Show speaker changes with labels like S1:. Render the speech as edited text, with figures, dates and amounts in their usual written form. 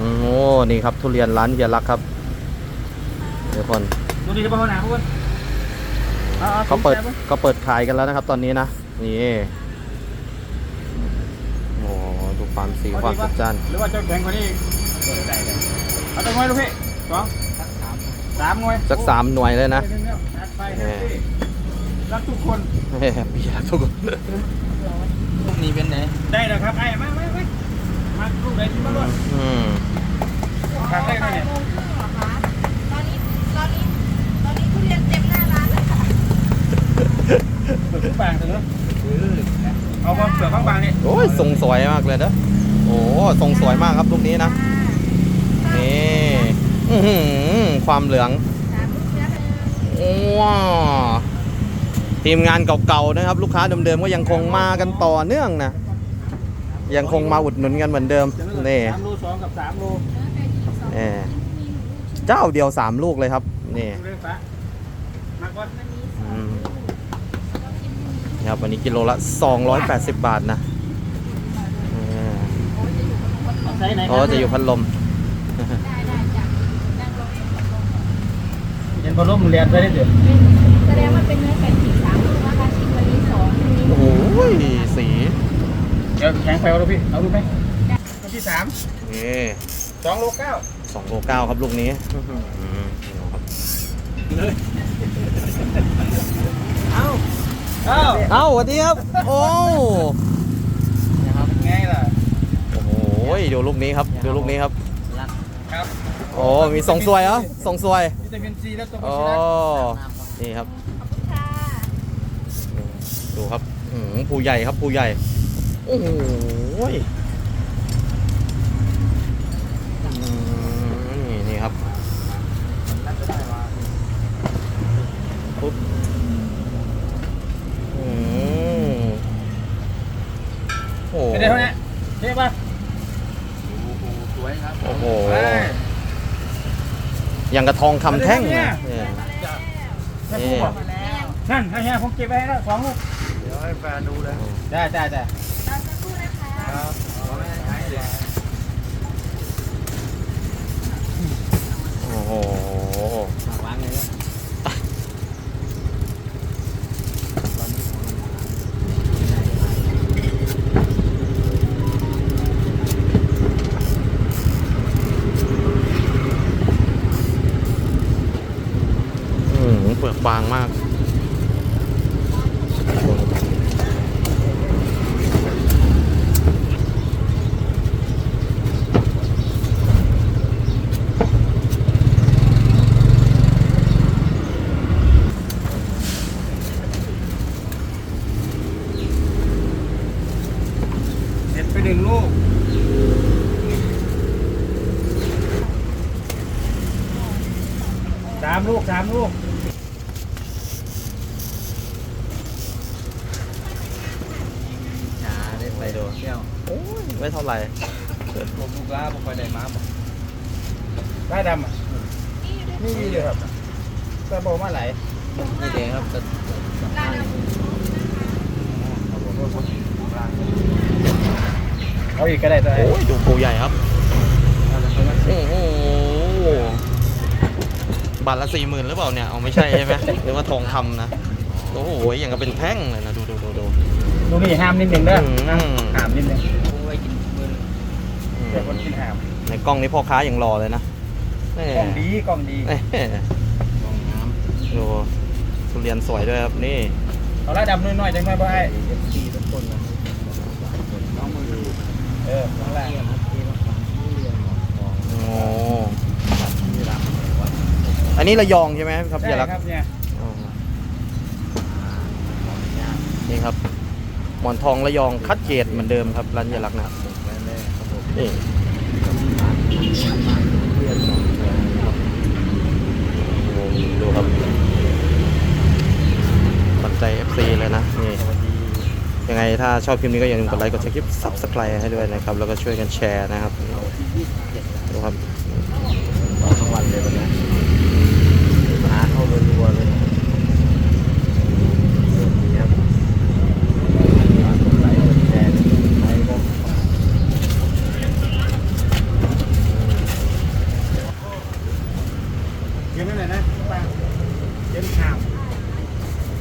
S1: โอ้นี่ครับทุเรียนร้านเฮียรักครับเดี๋ยวคน
S2: ดูดีจะไปห้องน้ำพูด
S1: เขาเปิดขายกันแล้วนะครับตอนนี้นะนี่โอ้ดูความสีความจัดจ้าน
S2: หรือว่าจะแข่งกว่านี้เอาตัวน้อยลูกพี่3 หน่วย
S1: สัก3 หน่วยเลยนะ
S2: รักทุกคน
S1: พี่รักทุกคน
S3: พวกนี้เป็นไหน
S2: ได้แล้วครับไอ้มาลูกไหนที่มาด้วยทางได้ไหมเนี่ย
S4: ตอนนี้ทุเรียนเต็มหน้าร้านเลยค่ะ
S2: เปลือกบางเถอะเอาความเปลือกบางๆนี่
S1: โอ้ยทรงสวยมากเลยนะโอ้ทรงสวยมากครับลูกนี้นะนี่ความเหลืองว้าวทีมงานเก่าๆนะครับลูกค้าเดิมๆก็ยังคงมากันต่อเนื่องนะยังคงมาอุดหนุนกันเหมือนเดิมนี่
S2: 3 โล 2 กับ 3 โล
S1: เจ้าเดียว3 ลูกเลยครับนี่ครับวันนี้กิโลละ280 บาทนะอ๋อจะอยู่พัดลม
S2: เย็นพัดลมเรียนไปได้เดี๋ยว
S4: แสดงว่าเป็นเนื้อไก่ฉีก3 ลูกนะคะชิมวันนี้2
S1: โอ้โหสี
S2: เดี๋ยวแข็งไปเอาลูกพี่เอาลูกไหมลูกที่3
S1: นี่
S2: 2 โล 9
S1: 2 โล 9ครับลูกนี้เอ้าสวัสดีครับโอ้
S2: นะครับไงล่ะ
S1: โอ้โหดูลูกนี้ครับดูลูกนี้ครับ
S2: ครับ
S1: โอ้มีทรงสวยเหรอทรงสวย
S2: วิตามินซีและตัว
S1: โอ้นี่ครับดูครับผู้ใหญ่ครับผู้ใหญ่โอ้โหนี่ครับปุ๊บโอ้
S2: ไม่ได้เท่านี้เท่ป่ะ
S3: สวยครับ
S1: โอ้โหอย่างกระทองคำแท่งนะ
S2: นั่นให้ผมเก็บไว้ให้แล้ว2 ลูก
S3: เดี๋ยวให้แฟนดูเลย
S2: ได้
S4: รอสักครู่นะคะ
S3: ครับ
S1: โอ้โห
S3: วางเลย
S1: เปลือกบางมาก
S2: เด็ดไป1 ลูก3 ลูก3 ลูก
S1: ไปดูโอ้ยไม่เท่าไหร่
S3: ผมลูกล้าผมคอยได้มาบอก
S2: ได้ดำอ่ะนี่ดีเลยครับแต่บอกมาไหล
S3: นี่เองครับจะ
S2: เอาอีกก็ได้ตัว
S1: โอ้ยดูปูใหญ่ครับโอ้โหบาทละ40,000หรือเปล่าเนี่ยเอาไม่ใช่ใช่ไหมหรือว่าทองคำนะโอ้โหอย่างกับเป็นแท่งเลยนะดู
S2: นี่ห้ามนิดนึงเด้อห้ามนิดนึง
S3: ไว้กินมือ
S2: เดี๋ยวคนกินห้าม
S1: ในกล้องนี้พ่อค้าอย่างรอเลยนะ
S2: กล้องดีกล้อง
S1: น้ำดูทุเรียนสวยด้วยครับนี่
S2: เอาละดำน้อยๆจังไหมบ่ไอ้
S3: ทุกคนน้องมือ
S2: ข้างล่าง
S1: โอ้อันนี้ระยองใช่ไหมครับยาลักษ์นี่ครับหมอนทองระยองคัดเกรดเหมือนเดิมครับร้านยาลักษ์นะครับนี่ดูครับปัจจัย FC เลยนะนี่ยังไงถ้าชอบคลิปนี้ก็อย่าลืมกดไลค์กดแชร์คลิป Subscribe ให้ด้วยนะครับแล้วก็ช่วยกันแชร์นะครับดูครับ
S3: ทั้งวันเลยวันนี้หาเข้ารัวเลย
S2: เก็บนั่นแหละนะป้า